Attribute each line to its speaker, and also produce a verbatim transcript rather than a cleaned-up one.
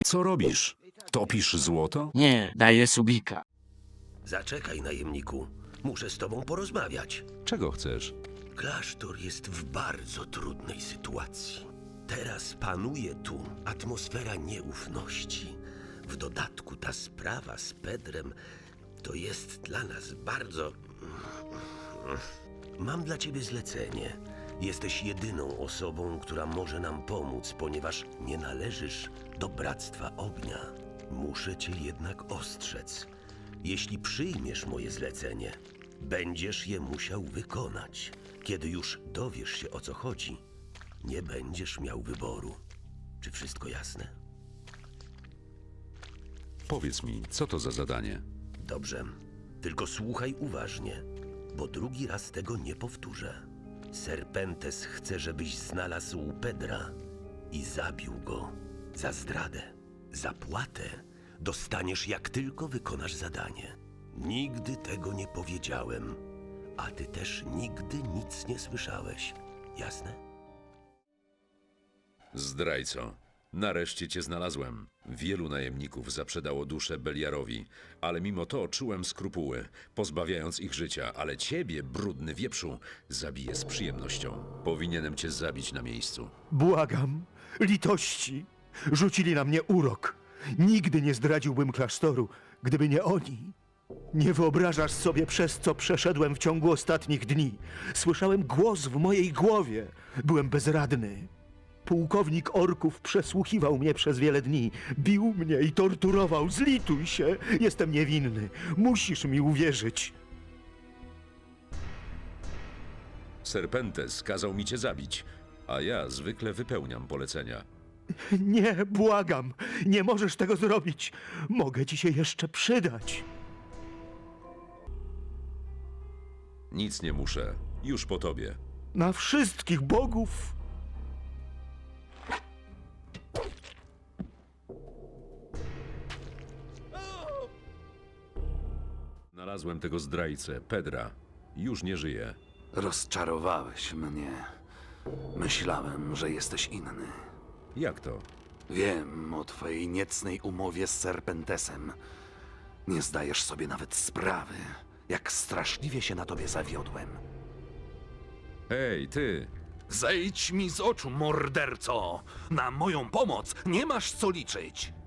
Speaker 1: Co robisz? Topisz złoto?
Speaker 2: Nie, daję subika.
Speaker 3: Zaczekaj, najemniku. Muszę z tobą porozmawiać.
Speaker 1: Czego chcesz?
Speaker 3: Klasztor jest w bardzo trudnej sytuacji. Teraz panuje tu atmosfera nieufności. W dodatku ta sprawa z Pedrem to jest dla nas bardzo... Mam dla ciebie zlecenie. Jesteś jedyną osobą, która może nam pomóc, ponieważ nie należysz do Bractwa Ognia. Muszę cię jednak ostrzec. Jeśli przyjmiesz moje zlecenie, będziesz je musiał wykonać. Kiedy już dowiesz się, o co chodzi, nie będziesz miał wyboru. Czy wszystko jasne?
Speaker 1: Powiedz mi, co to za zadanie?
Speaker 3: Dobrze. Tylko słuchaj uważnie, bo drugi raz tego nie powtórzę. Serpentes chce, żebyś znalazł Pedra i zabił go za zdradę. Zapłatę dostaniesz, jak tylko wykonasz zadanie. Nigdy tego nie powiedziałem, a ty też nigdy nic nie słyszałeś. Jasne?
Speaker 1: Zdrajco, nareszcie cię znalazłem. Wielu najemników zaprzedało duszę Beliarowi, ale mimo to czułem skrupuły, pozbawiając ich życia, ale ciebie, brudny wieprzu, zabiję z przyjemnością. Powinienem cię zabić na miejscu.
Speaker 4: Błagam, litości. Rzucili na mnie urok. Nigdy nie zdradziłbym klasztoru, gdyby nie oni. Nie wyobrażasz sobie, przez co przeszedłem w ciągu ostatnich dni. Słyszałem głos w mojej głowie. Byłem bezradny. Pułkownik orków przesłuchiwał mnie przez wiele dni. Bił mnie i torturował. Zlituj się. Jestem niewinny. Musisz mi uwierzyć.
Speaker 1: Serpentes kazał mi cię zabić, a ja zwykle wypełniam polecenia.
Speaker 4: Nie, błagam. Nie możesz tego zrobić. Mogę ci się jeszcze przydać.
Speaker 1: Nic nie muszę, już po tobie.
Speaker 4: Na wszystkich bogów.
Speaker 1: Znalazłem tego zdrajcę, Pedra. Już nie żyje.
Speaker 5: Rozczarowałeś mnie. Myślałem, że jesteś inny.
Speaker 1: Jak to?
Speaker 5: Wiem o twojej niecnej umowie z Serpentesem. Nie zdajesz sobie nawet sprawy, jak straszliwie się na tobie zawiodłem.
Speaker 1: Hej, ty!
Speaker 5: Zejdź mi z oczu, morderco! Na moją pomoc nie masz co liczyć!